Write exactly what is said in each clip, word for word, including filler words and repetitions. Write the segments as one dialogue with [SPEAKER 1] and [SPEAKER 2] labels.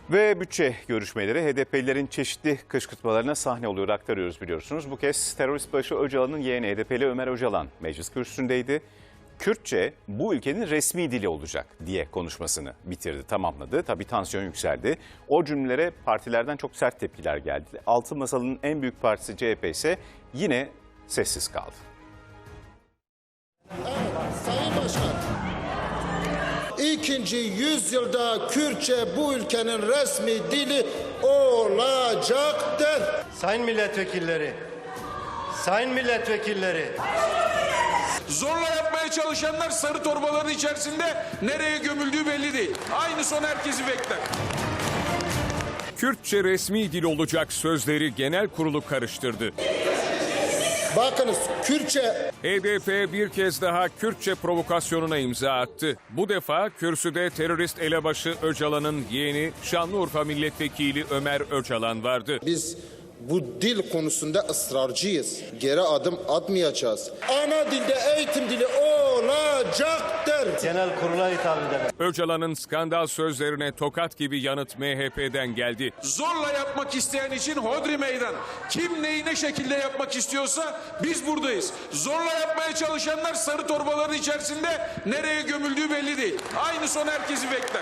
[SPEAKER 1] Ve bütçe görüşmeleri H D P'lilerin çeşitli kışkırtmalarına sahne oluyor, aktarıyoruz biliyorsunuz. Bu kez terörist başı Öcalan'ın yeğeni H D P'li Ömer Öcalan meclis kürsüsündeydi. Kürtçe bu ülkenin resmi dili olacak diye konuşmasını bitirdi, tamamladı. Tabii tansiyon yükseldi. O cümlelere partilerden çok sert tepkiler geldi. Altın Masalı'nın en büyük partisi C H P ise yine sessiz kaldı.
[SPEAKER 2] Evet, Sayın Başkan. İkinci yüzyılda Kürtçe bu ülkenin resmi dili olacaktır.
[SPEAKER 3] Sayın milletvekilleri, sayın milletvekilleri.
[SPEAKER 4] Zorla yapmaya çalışanlar sarı torbaların içerisinde nereye gömüldüğü belli değil. Aynı son herkesi bekler.
[SPEAKER 5] Kürtçe resmi dil olacak sözleri genel kurulu karıştırdı.
[SPEAKER 2] Bakınız Kürtçe.
[SPEAKER 5] H D P bir kez daha Kürtçe provokasyonuna imza attı. Bu defa kürsüde terörist elebaşı Öcalan'ın yeğeni Şanlıurfa Milletvekili Ömer Öcalan vardı.
[SPEAKER 2] Biz bu dil konusunda ısrarcıyız. Geri adım atmayacağız. Ana dilde eğitim dili olacaktır.
[SPEAKER 3] Genel kurula hitap ederim.
[SPEAKER 5] Öcalan'ın skandal sözlerine tokat gibi yanıt M H P'den geldi.
[SPEAKER 4] Zorla yapmak isteyen için hodri meydan. Kim neyi ne şekilde yapmak istiyorsa biz buradayız. Zorla yapmaya çalışanlar sarı torbaların içerisinde nereye gömüldüğü belli değil. Aynı son herkesi bekler.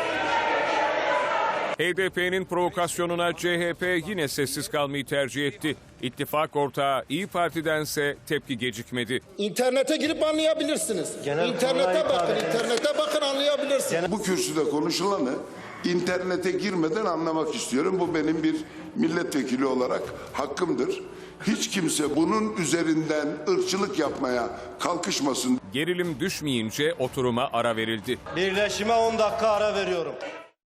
[SPEAKER 5] H D P'nin provokasyonuna C H P yine sessiz kalmayı tercih etti. İttifak ortağı İYİ Parti'dense tepki gecikmedi.
[SPEAKER 2] İnternete girip anlayabilirsiniz.
[SPEAKER 3] Genel
[SPEAKER 2] İnternete
[SPEAKER 3] kurula
[SPEAKER 2] bakın,
[SPEAKER 3] hitap
[SPEAKER 2] internete bakın anlayabilirsiniz.
[SPEAKER 6] Bu kürsüde konuşulanı internete girmeden anlamak istiyorum. Bu benim bir milletvekili olarak hakkımdır. Hiç kimse bunun üzerinden ırkçılık yapmaya kalkışmasın.
[SPEAKER 5] Gerilim düşmeyince oturuma ara verildi.
[SPEAKER 3] Birleşime on dakika ara veriyorum.